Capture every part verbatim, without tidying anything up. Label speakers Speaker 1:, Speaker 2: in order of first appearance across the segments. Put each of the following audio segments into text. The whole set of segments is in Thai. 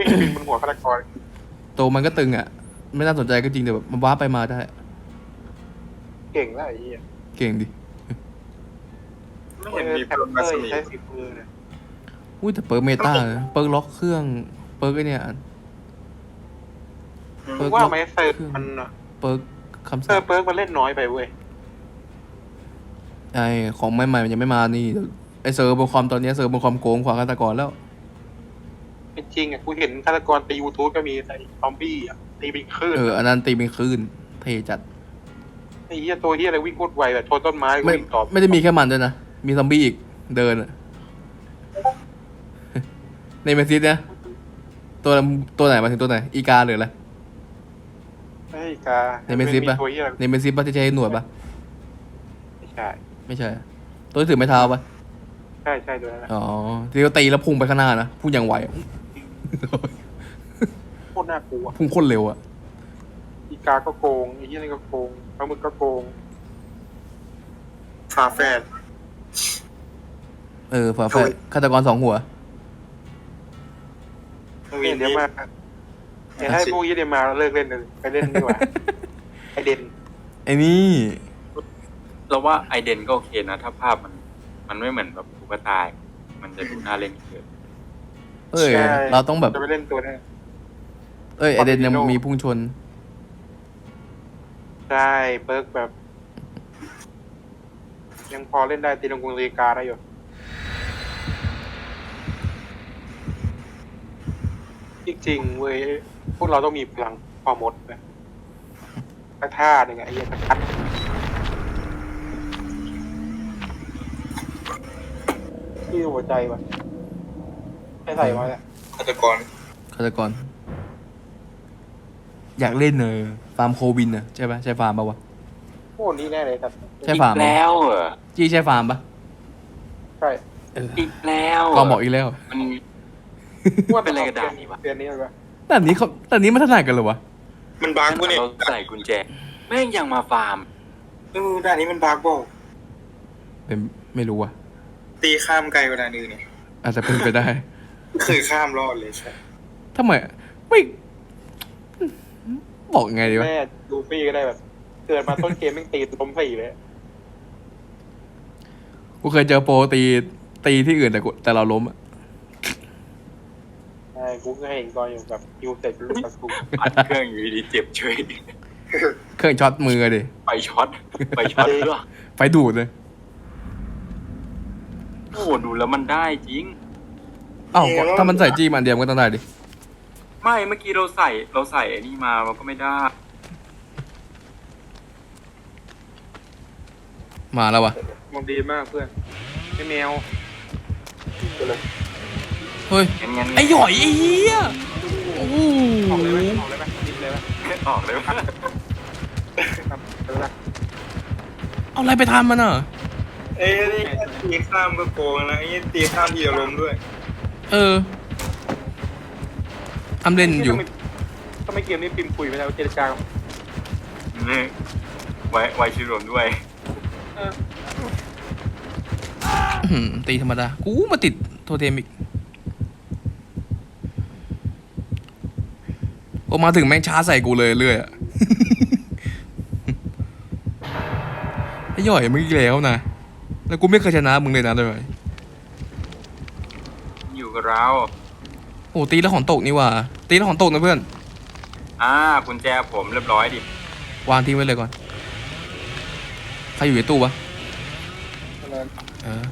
Speaker 1: วิ่งบินบนหัวฆาตกร
Speaker 2: ตัวมันก็ตึงอ่ะไม่น่าสนใจก็จริงแต่แบบมันว้าไปมาได้
Speaker 1: เก่งแล้วไอ้เหี้ย
Speaker 2: เก่งดิ
Speaker 3: ไม่เห็นมี
Speaker 1: แพ
Speaker 3: เพิ่
Speaker 1: ม
Speaker 3: ม
Speaker 1: เป
Speaker 3: มา
Speaker 1: อ
Speaker 3: ส
Speaker 1: ร์
Speaker 3: มี
Speaker 1: ใช้สีมือเนี่ย
Speaker 2: อุ้ยแต่เปิร์กเมตาเปิร์กล็อกเครื่องเปิร์กไอเนี่ย เปิร์ก
Speaker 1: ว่า
Speaker 2: ล็อก
Speaker 1: ไหมเซิร์ฟมัน
Speaker 2: เปิร์กคำ
Speaker 1: เซิ
Speaker 2: สั่
Speaker 1: ร์
Speaker 2: ง
Speaker 1: ฟเปิร์กมันเล่นน้อยไปเว้ย
Speaker 2: ไอของใหม่ๆมันยังไม่มานี่ไอเซิร์ฟบนคอมตอนนี้เซิร์ฟบนคอมโกงกว่าฆาตกรแล้ว
Speaker 1: เป็นจริงอ่ะกูเห็นฆาตกรตียูทูบก็มีใส่ซอมบี้อ่ะตีเป็นคลื่น
Speaker 2: เอออันนั้นตีเป็นคลื่นเทจัด
Speaker 1: ไอ้เหี้ยตัวเหี้ยอะไรวิ่งโคตรไวแบบชนต้นไม้
Speaker 2: ไม่
Speaker 1: วิ่งต่อ
Speaker 2: ไม่ได้มีแค่มันด้วยนะมีซอมบี้อีกเดินอะในเมซิสเนี่ยตัวตัวไหนมาถึงตัวไหนอีกาหรืออะไร
Speaker 1: ไอ้กา
Speaker 2: ในเมซิสปะ
Speaker 1: ตัวเหี้ยอะไร
Speaker 2: ในเมซิสปะที่ใช้หนวดปะ
Speaker 1: ไม่ใช่
Speaker 2: ไม่ใช่ ตัวที่ถือไม้เท้าปะ
Speaker 1: ใช่ใช่ตัวนั้นแหละ
Speaker 2: อ๋อที่เขาตีแล้วพุ่งไปข้างหน้านะพุ่งอย่างไวอะ
Speaker 1: โคตรน่ากลัว
Speaker 2: พุ่งโคตรเร็วอะ
Speaker 1: อีกาก็โกงไอ้เหี้ยนี่ก็โกงปลาหมึกก็โกง
Speaker 3: ฝาแฝด
Speaker 2: เออฝาแฝดฆาตกรสองหัว
Speaker 1: เดี๋ยวมาเดี๋ยวให้พวกยี่เดี๋ยวมาเลิกเล่นเลยไปเล่นดีกว่า ไอเด่น
Speaker 2: ไอ้นี่
Speaker 4: เราว่าไอเดนก็โอเคนะ ถ้าภาพมัน มันไม่เหมือนแบบตุ๊กตามันจะดูน่าเล่นเกิน
Speaker 2: เอ้ยเราต้องแบบ
Speaker 1: จะไปเล่นตัวนี้
Speaker 2: เอ้ยไอเดนยังมีพุ่งชน
Speaker 1: ใช่เปิร์กแบบ ยังพอเล่นได้ตีลงกรุงลีกาได้อยู่จริงๆเว้ยพวกเราต้องมีพลังพอมดนะกระท่าหนึ่งอะไอ้เหี้ยกระทัดที่หัวใจวะใส่ใส่ไว้แหละ
Speaker 3: ฆาตกร
Speaker 2: ฆาตกร อยากเล่นเนอฟาร์มโควินอะใช่ปะใช่ฟาร์มปะวะ
Speaker 1: โอ้นี่แน่เลยครับ
Speaker 2: ใช่ฟาร์ม
Speaker 4: อีกแล้วเหรอ
Speaker 2: จี้ใช่ฟาร์มปะ
Speaker 1: ใช่
Speaker 2: เออ
Speaker 4: อีกแล้วหร
Speaker 2: ก็บอกอีกแล้ว
Speaker 4: มัน
Speaker 1: ว่า
Speaker 4: เป็นอะไรกับด่านนี้วะ
Speaker 1: เดือนนี้เลยวะ
Speaker 2: แต่นี้เขาแต่นี้มันถนัดกันเหรอวะ
Speaker 3: มันบาร์กกูเนี่ย
Speaker 4: เราใส่กุญแจ แม่งยังมาฟาร์ม
Speaker 3: เออด่านนี้มันบาร์กบอก
Speaker 2: เป็นไม่รู้อะ
Speaker 3: ตีข้ามไกลกว่าด่านอื่นเนี่ย
Speaker 2: อาจจะเป็นไปได้
Speaker 3: เคยข้ามรอดเลยใช่
Speaker 2: ทำไมไม่บอกไงดีวะ
Speaker 1: แม่ลูฟี่ก็ได้แบบเกิดมาต้นเกมแม่งตีล้มสี่เลย
Speaker 2: กูเคยเจอโปรตีตีที่อื่นแต่กูแต่เราล้มอะ
Speaker 1: ใช่กูก็เห็นตอนอยู่แบบยูเสร็จเป็นลูกตะกุ
Speaker 4: อัดเครื่องอยู่ดีๆเจ็บเฉย
Speaker 2: เครื่องช็อตมือดิ
Speaker 4: ไปช็อต ไปช็อตด้วย
Speaker 2: ไฟดูดเลย
Speaker 4: โอ้โหดูแล้วมันได้จริง
Speaker 2: อ้าวถ้ามันใส่จี้มันเดียวมันก็ต้องได้ดิ
Speaker 4: ไม่เมื่อกี้เราใส่เราใส่ไอ้นี่มามันก็ไม่ได้
Speaker 2: มาแล้ววะ
Speaker 1: มันดีมากเพื่อนไอ้แมว
Speaker 2: เฮ้ย
Speaker 4: งั้นงั้น
Speaker 2: ไอ้หย่อยไอ้เหี้ยโอ้โห
Speaker 1: ออกเลยไหมออกเลยไหมดิบเลยไหม
Speaker 4: ออกเลยว่า
Speaker 1: ครับเออละ
Speaker 2: เอาอะไรไปทำมันอ่ะ
Speaker 3: เอ้ยนี่ตีข้ามก็โกงนะไอ้นี่ตีข้ามทีเดียวล้มด้วย
Speaker 2: เออทำเล่นอยู่
Speaker 1: ถ้าไม่เกมนี้ปิมคุยไปแล้วเจรจา
Speaker 4: นี่ไว้ไว้ชื่อรวมด้วย
Speaker 1: เออ
Speaker 2: อื้อหือตีธรรมดา กูมาติดโทเทมอีกโอมาถึงแม่งช้าใส่กูเลยเรื่อยอะ ไอ้หย่อยมึงอีกแล้วนะ แล้วกูไม่เคยชนะมึงเลยนะเลย
Speaker 4: อยู่กับเรา
Speaker 2: โอ้ตีแล้วของตกนี่หว่า ตีแล้วของตกนะเพื่อน
Speaker 4: อ่ากุญแจผมเรียบร้อยดิ
Speaker 2: วางทิ้งไว้เลยก่อน ใครอยู่ในตู้วะ เออ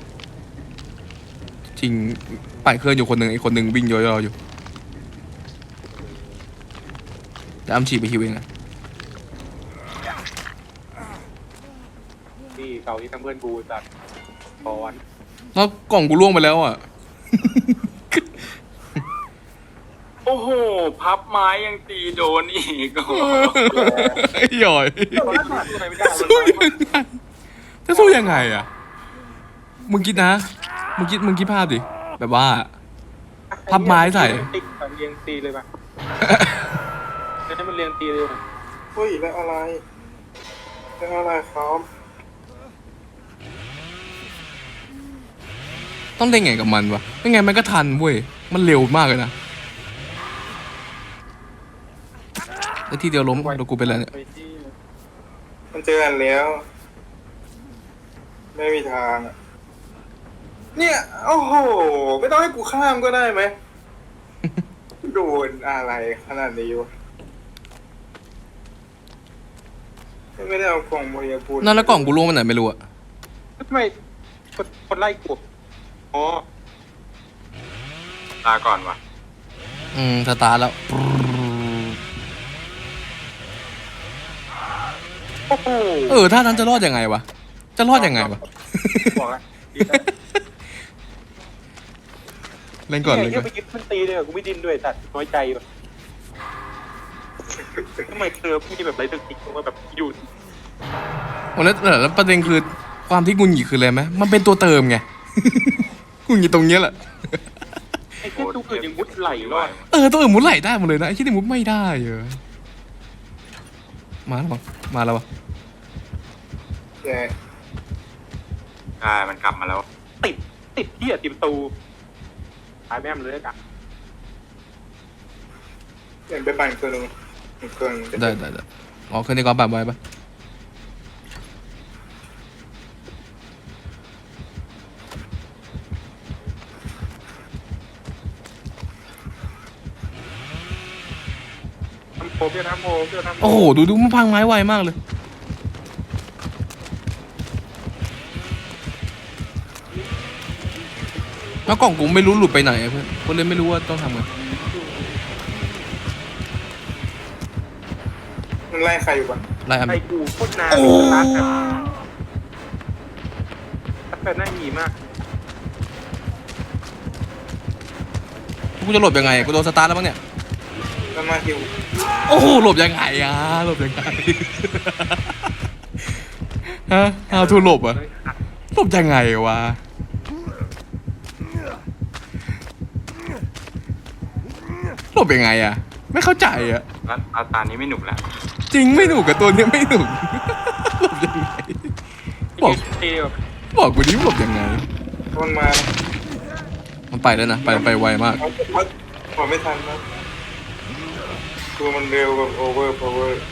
Speaker 2: จริงปั่นเครื่องอยู่คนหนึ่งอีกคนหนึ่งวิ่งย่อยๆอยู่แต่อ้ำฉีดไปฮิวเองอะ
Speaker 1: ที่เก่าที่ทำเพื่อนกูจัดตอน
Speaker 2: แล้วกล่องกูล่วงไปแล้วอ่ะ
Speaker 4: โอ้โห พับไม้ยังตีโดนอีกโอ้โห
Speaker 2: ไอ้หย่อย
Speaker 1: ตอนนั้นหาตัวไหนไม่ได้
Speaker 2: สู้ยังไงจะสู้ยังไงอ่ะ มึงคิดนะ มึงคิดมึงคิดภาพดิ แบบว่า พับไม้ใส่
Speaker 1: ติ๊กแบบเรียงตีเลยป่ะให้มันเรียงตีเลย
Speaker 3: เฮ้ยแล้วอะไรแล้วอะไรครับ
Speaker 2: ต้องเล่นไงกับมันวะไม่ไงมันก็ทันเว้ย มันเร็วมากเลยนะแล้วทีเดียวล้มแล้วกูเป็นอะไรเนี่ย
Speaker 1: ไปที่
Speaker 3: มันเจอกันแล้ว ไม่มีทางอะเนี่ยโอ้โหไม่ต้องให้กูข้ามก็ได้ไหม โดนอะไรขนาดนี้วะไม่ได้เอากล่องโมเดลพูด
Speaker 2: นั่นแล้วกล่องกูล่วงไปไหนไม่รู้อะ
Speaker 1: ทำไมคนคนไล่กูอ๋อ
Speaker 4: ลาก่อนวะ
Speaker 2: อืมสตาร์ทแล้ว
Speaker 1: โอ้โห
Speaker 2: เออถ้านั้นจะรอดยังไงวะจะรอดยังไงวะ
Speaker 1: บอกแล้วดีนะ
Speaker 2: เล่นก่อน
Speaker 1: เนี่
Speaker 2: เล่
Speaker 1: ย
Speaker 2: น
Speaker 1: เที่
Speaker 2: ก่อน
Speaker 1: ยวไปยึดมันตีเลยกูไม่ดิ้นด้วยสัตว์น้อยใจว่ะทำไมเธอพี่แบบไรตึกติกว่าแบบอยู่
Speaker 2: โอ้แล้วแล้วประเด็นคือความที่กุญหยิคืออะไรไหมมันเป็นตัวเติมไง กุญหยิตรงเนี้ยแหละ
Speaker 1: ไอ้เจ้าตู้อื่นยังมุดไหลรอด
Speaker 2: เออตัวอื่นมุดไหลได้หมดเลยนะไอ้ที่นี่มุดไม่ได้เออมาแล้วมั้งมาแล้ววะ
Speaker 3: แย่
Speaker 4: ใช่มันกลับมาแล้ว
Speaker 1: ติดติดที่อ่ะติดประตูตายแม่มเลยอะ
Speaker 3: เห็นไปปั่นเครื่องนึงอีกเครื่องนึง
Speaker 2: ได้ได้ได้อ๋อเครื่องนี้ก็แบบไว้ปะ
Speaker 1: ทำโพเพื่อทำโพเพื่อทำโพ
Speaker 2: โอ้โหดูดูมันพังไม้ไวมากเลยแล้วกล่องกูไม่รู้หลุดไปไหนอะเพื่อนกูเลยไม่รู้ว่าต้องทำไง
Speaker 3: มันไล่ใครอยู่ก่อน
Speaker 2: ไล่อัน
Speaker 1: ไอ้กูโคตรนาน
Speaker 2: โอ้
Speaker 1: รัดแบบรัดแบบน่าหนีมาก
Speaker 2: กูจะหลบยังไงกูโดนสตาร์ทแล้วมั้งเนี่ย
Speaker 3: แล้วมาฮิว
Speaker 2: โอ้โหหลบยังไงอะหลบยังไง ฮะ how to หลบอะหลบยังไงวะหลบยังไงอะไม่เข้าใจอะ
Speaker 4: แล้วอาตานี้ไม่หนุกแล้ว
Speaker 2: จริงไม่หนุกกับตัวเนี้ยไม่หนุก หลบยังไงบอก
Speaker 1: ตีแบบ
Speaker 2: บอกกูดิหลบยังไง
Speaker 3: มันมา
Speaker 2: มันไปแล้วนะไปไปไวมาก
Speaker 3: เขาเขาขอไม่ทันนะตัวมันเร็วแบบโอเวอร์พาวเวอร์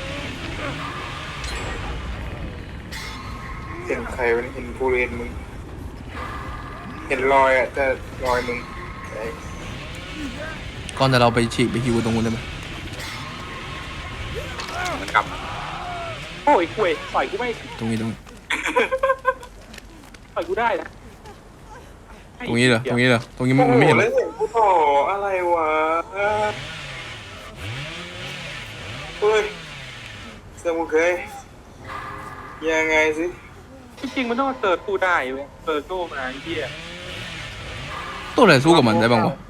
Speaker 3: เห็นใครมันเห็นผู้เรียนมึง เห็นรอยอ่ะแต่รอยมึงไอ้
Speaker 2: ก่อนแต่เราไปฉีกไปฮิวตรงนู้นได้ไหม
Speaker 4: มันกลับมา
Speaker 1: โอ้ยคุยต่อยกูไม่
Speaker 2: ตรงนี้ตรงนี้
Speaker 1: ต่อยกูได้นะ
Speaker 2: ตรงนี้เหรอตรงนี้เหรอตรงนี้มันมันไม่เห็นเหร
Speaker 3: แล้
Speaker 2: อ
Speaker 3: วเห็นผู้ต่ออะไรวะเฮ้ยสมุเคยยังไงสิ
Speaker 1: จริงๆมันต้องเติร์ดกูได้เว้ยเติร์ดโก้มาไอ้เหี้ย
Speaker 2: ตัวอะไรสู้กับมันได้บ้างวะ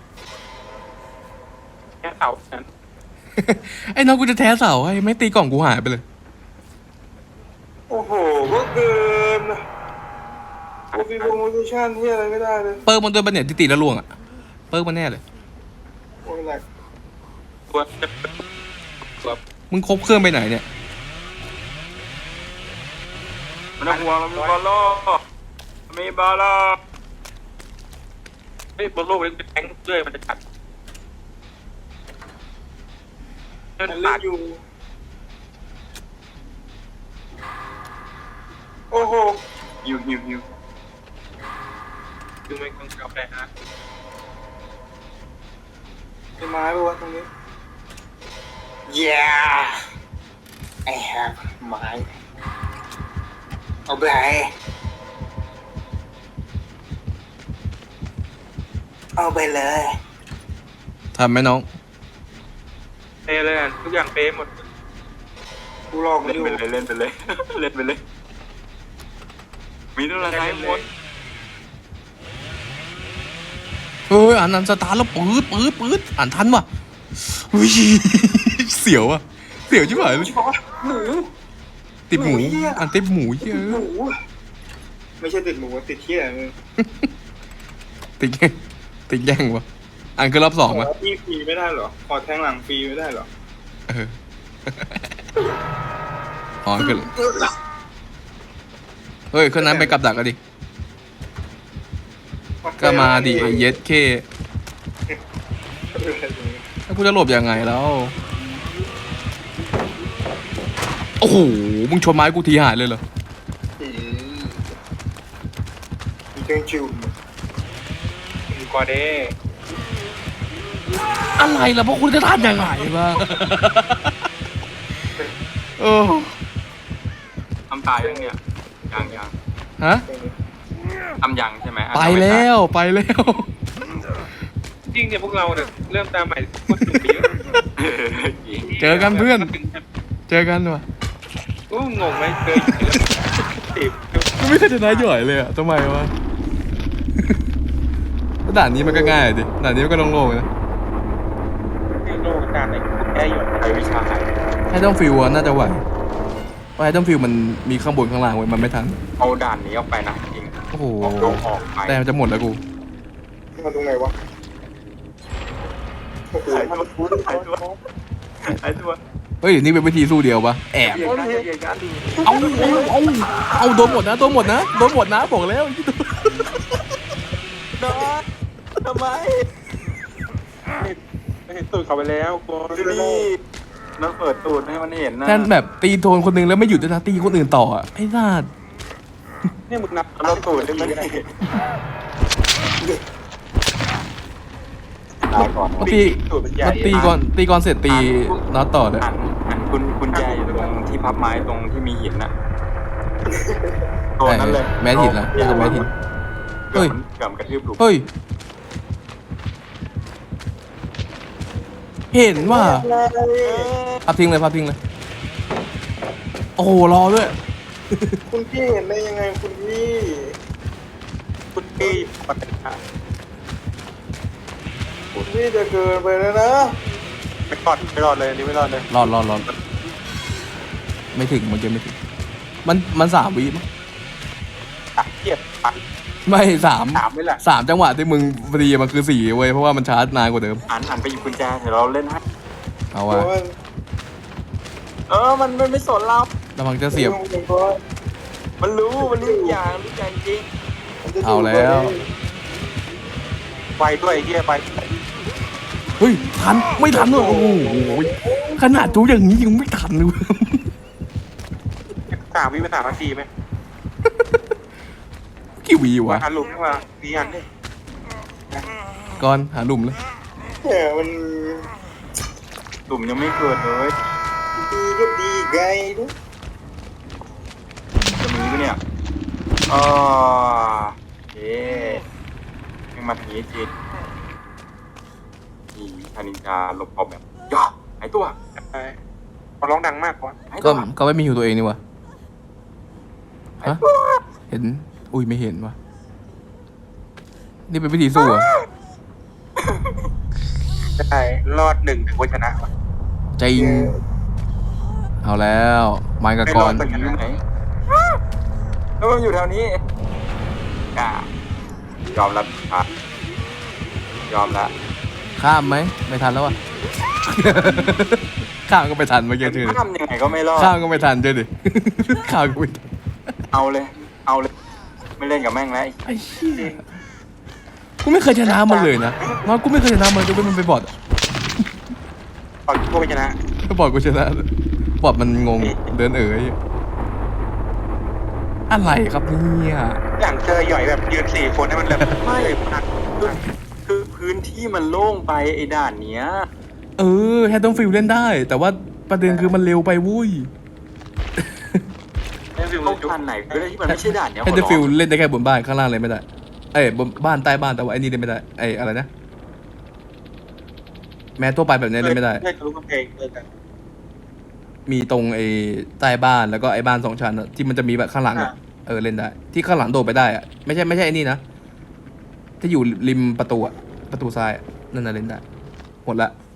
Speaker 1: แค่เต่านั้น
Speaker 2: ไอ้น้องกูจะแท้เสาให้ไม่ตีกล่องกูหายไปเลย
Speaker 3: โอ้โหก็เกินโอฟีโปรโมชั่นที่อะไรไม่ได้เลย
Speaker 2: เปิร์กมันด้วยปะเนี่ยที่ตีแล้วล่วงอ่ะเปิร์กมันแน่เลย
Speaker 3: โอ้ยแหลก
Speaker 1: ตัวตัว
Speaker 2: มึงครบเครื่องไปไหนเนี่ย
Speaker 4: มันต้องห่วงเรามีบอลโล่มีบอลโล่
Speaker 1: เฮ้ยบนโลกมันเป็นแทงเรื่อยมันจะกัดเดิน
Speaker 3: มันเล่
Speaker 1: ปาน ด
Speaker 3: อยู่ โอ้โห
Speaker 4: ฮิวฮิวฮิว
Speaker 1: คือมันคงกาแฟฮะ
Speaker 3: มีไม้ปะวะตรงนี้ Yeah I have ไม้เอาไปเอาไปเลย
Speaker 2: ทำไหมน้อง
Speaker 1: เปเลยอ่ะทุกอย่างเปหมด
Speaker 3: กูลอกมัน
Speaker 4: เล่น
Speaker 3: อยู่
Speaker 4: ไปเลยเล่นไปเลย เล่นไปเลย มีตัวอะไรหมด
Speaker 2: เฮ้ยอ่านนันสตาร์ทแล้วปื๊ดปื๊ดปื๊ดอ่านทันว่ะอุ้ย เสียวอ่ะเสียวชิบหายเลย
Speaker 3: หมู
Speaker 2: ติดหมู
Speaker 3: หมูเหี้ย
Speaker 2: อ่านติดหมูเย
Speaker 3: ติด
Speaker 2: อะ
Speaker 3: หมูไม่ใช่ติดหมูติดเที่ยมึง
Speaker 2: ติดแย่งติดแย่งวะอ่านคือรอบสอง
Speaker 3: ข
Speaker 2: วะ
Speaker 3: อที่ฟรีไม่ได้เหรอ ขอแทงหลังฟรีไม่ได้เหรอ
Speaker 2: เอออ๋อคือเฮ้ยเครื่องนั้นไปกับดักกันดิก็มาดิไอ้เย็ดเคแล้วกูจะหลบยังไงแล้วโอ้โหมึงชนไม้กูทีหายเลยเหรอ
Speaker 3: อืมมีเครื่องจุ่ม
Speaker 1: มีกว่าเด้
Speaker 2: อะไรล่ะพวกคุณจะทำยังไงวะโอ้
Speaker 4: ทำตายยังเนี่ยยังยัง
Speaker 2: ฮะ
Speaker 4: ทำยังใช่ไหมอ่ะ
Speaker 2: ไป
Speaker 4: ทำม่
Speaker 2: แล้
Speaker 4: ตายว
Speaker 2: ไปแล้ว
Speaker 1: จริงเนี่ยพวกเราเนี่ยเริ่มตามใหม่โคตรสุดไปเยอะ
Speaker 4: เออจริง
Speaker 2: เจอกันเพื่อน เจอกันว่ะ
Speaker 1: อู้งงไหมเคยอยู่แล้วติด
Speaker 2: กูไม่เคยชนะหย่อยเลยอ่ะทำไมวะ ด่านนี้มันก็ง่ายดิด่านนี้มันก็โล่งๆนะ
Speaker 1: ที่โลกการไหนแก้หยด
Speaker 4: ใช้วิชาหาย
Speaker 2: ไฮดอนฟิลน่าจะไหวเพราะไฮดอนฟิลมันมีข้างบนข้างล่างไว้มันไม่ทัน
Speaker 4: เอาด่านนี้ออกไปนะจริง
Speaker 2: โอ้โห
Speaker 4: ออกลงออกไป
Speaker 2: แต่มันจะหมดแล้วกู
Speaker 3: มาตรงไหนวะโอ้โห
Speaker 4: หายตัวหายตัวหายตัว
Speaker 2: เฮ้ยนี่เป็นวิธีสู้เดียวปะแอบ
Speaker 4: เหยียดกันเหยียดกัน
Speaker 2: เอาเอาเอาเอาโดนหมดนะโดนหมดนะโดนหมดนะบอกแล้ว
Speaker 4: นอนทำไม
Speaker 1: ไม่เห็นตูดเขาไปแล้วกลัว
Speaker 4: ดูดิน้องเปิดตูดให้มันเห็นนะ
Speaker 2: แทนแบบตีโดนคนหนึงแล้วไม่หยุดด้วยนะตีคนอื่นต่ออ่ะไอ้นาด
Speaker 1: เนี่ยมึงนับ
Speaker 4: เราตูดให้มันเห็นตายก่อน
Speaker 2: มันตี
Speaker 1: ตูดมันใหญ่
Speaker 2: มันตีก่อนตีก่อนเสร็จตีน็อตต่อเลย
Speaker 4: หันหันคุณคุณแจอยู่ตรงที่พับไม้ตรงที่มีหินน่ะตัวนั้นเลย
Speaker 2: แมสหินละนี่ก็แมสหิน
Speaker 4: เฮ้ยเกือบกระทืบหลุม
Speaker 2: เฮ้ยเห็นว่าพับทิ้งเลยพับทิ้งเลยโอ้โหรอด้วย
Speaker 3: คุณพี่เห็นได้ยังไงคุณพี่
Speaker 1: คุณพี่ปฏิบัติ
Speaker 3: คุณพี่จะเกินไปแล้วนะ
Speaker 1: ไม่รอดไม่รอดเลยอันนี่ไม่รอดเลย
Speaker 2: รอดรอดรอดไม่ถึงมันจะไม่ถึงมันมันสามวิมั้ง
Speaker 1: ตักเทียบปัก
Speaker 2: ไม่สาม
Speaker 1: ถามไม่แหละ
Speaker 2: สามจังหวะที่มึงพอดีมันคือสี่เว้ยเพราะว่ามันชาร์จนานกว่าเดิม
Speaker 4: หันหันไปหยิบกุญแจเดี๋ยวเราเล่นให้
Speaker 2: เอา
Speaker 3: เพ
Speaker 2: วะ
Speaker 3: ราะว่า
Speaker 4: เออมันมันไม่สนเรา
Speaker 2: ระวังจะเสียบ
Speaker 4: มันรู้มันรู้ทุกอย่างรู้อย่างจริง
Speaker 2: เอาแล้ว
Speaker 1: ไวด้วยไอ้เฮียไป
Speaker 2: เฮ้ยทันไม่ทันเลยโอ้โหขนาดจูอย่างนี้ยังไม่ทันเลย
Speaker 1: สามวิเป็นสามนาทีไหม
Speaker 2: กี่วี
Speaker 1: ว่าว
Speaker 2: ะ
Speaker 1: หันหลุมขึ้นมาดีหันดิ
Speaker 2: ก่อนหาหลุมเลย
Speaker 3: เนี่ยมัน
Speaker 4: หลุมยังไม่เกิดเลย
Speaker 3: ดีก็ดีไงดู
Speaker 4: จะมีปะเนี่ยอ๋อเอ๊ะยังมาทางนี้จริงนี่ธนินจาหลบออกแบบย่อหายตัว
Speaker 1: ไปเขาร้องดังมากกว่า
Speaker 4: หายตั
Speaker 2: ก็
Speaker 4: ว
Speaker 2: ก็ไม่มีอยู่ตัวเองนี่วะ
Speaker 4: หาย
Speaker 2: ฮะ
Speaker 4: ตัว
Speaker 2: เห็นอุ้ยไม่เห็นวะนี่เป็นวิธีสู้เหรอะ
Speaker 1: ใช่รอดหนึ่งถึงวันชนะว่ะ
Speaker 2: จริงเอาแล้วไม้กับกร
Speaker 1: ไม่รอด
Speaker 4: มันอยู่ไหนแล้วมันอยู่แถวนี้อ่ายอมรับครับยอมละ
Speaker 2: ข้ามไหมไม่ทันแล้ววะ ข้ามก็ไม่ทันเมื่อกี้เชื่อดิ
Speaker 4: ข้ามยังไงก็ไม่รอด
Speaker 2: ข้ามก็ไม่ทันเชื่อดิ ข้ามก็ไม่ทัน
Speaker 4: เอาเลย เอาเลย ไม่เล่นกับแม่งแล้ว
Speaker 2: ไอ้เหี้ยกูไม่เคยชนะมันเลยนะน้อยกูไม่เคยชนะมันจนเป็นมันไปบอด
Speaker 1: ตอนกูไปชนะ
Speaker 2: ก็บอดกูชนะบอดมันงงเดินเอ๋ยอะไรครับเนี่ย
Speaker 1: อย่างเจอหย่อยแบบยืนสี่คนให้มันแบบ
Speaker 4: ไม่
Speaker 1: พัก
Speaker 4: คือคือพื้นที่มันโล่งไปไอ้ด่านเนี้ย
Speaker 2: เออแฮตต้องฟิลเล่นได้ แต่ว่าประเด็นคือมันเร็วไปวุ้ย
Speaker 1: ให้ฟิล
Speaker 4: ต้อง
Speaker 1: จุ๊บ
Speaker 4: ทันไหนก็ได้ที่มันไม่ใช่ด่านเนี้ย
Speaker 2: แฮตต้องฟิลเล่นได้แค่บนบ้านข้างล่างเลยไม่ได้เอ้ยบนบ้านใต้บ้านแต่ว่าไอ้นี่เล่นไม่ได้ไอ้อะไรนะแม้ตัวไปแบบนี้เล่นไม่ได้
Speaker 1: เล่นทะลุกำแพงเลยกัน
Speaker 2: มีตรงไอ้ใต้บ้านแล้วก็ไอ้บ้านสองชั้นอะที่มันจะมีแบบข้างหลังอะเออเล่นได้ ที่ข้างหลังโดดไปได้อะไม่ใช่ไม่ใช่ไอ้นี่นะที่อยู่ริมประตูอะประตูซ้ายอะนั่นน่ะเล่นได้หมดละ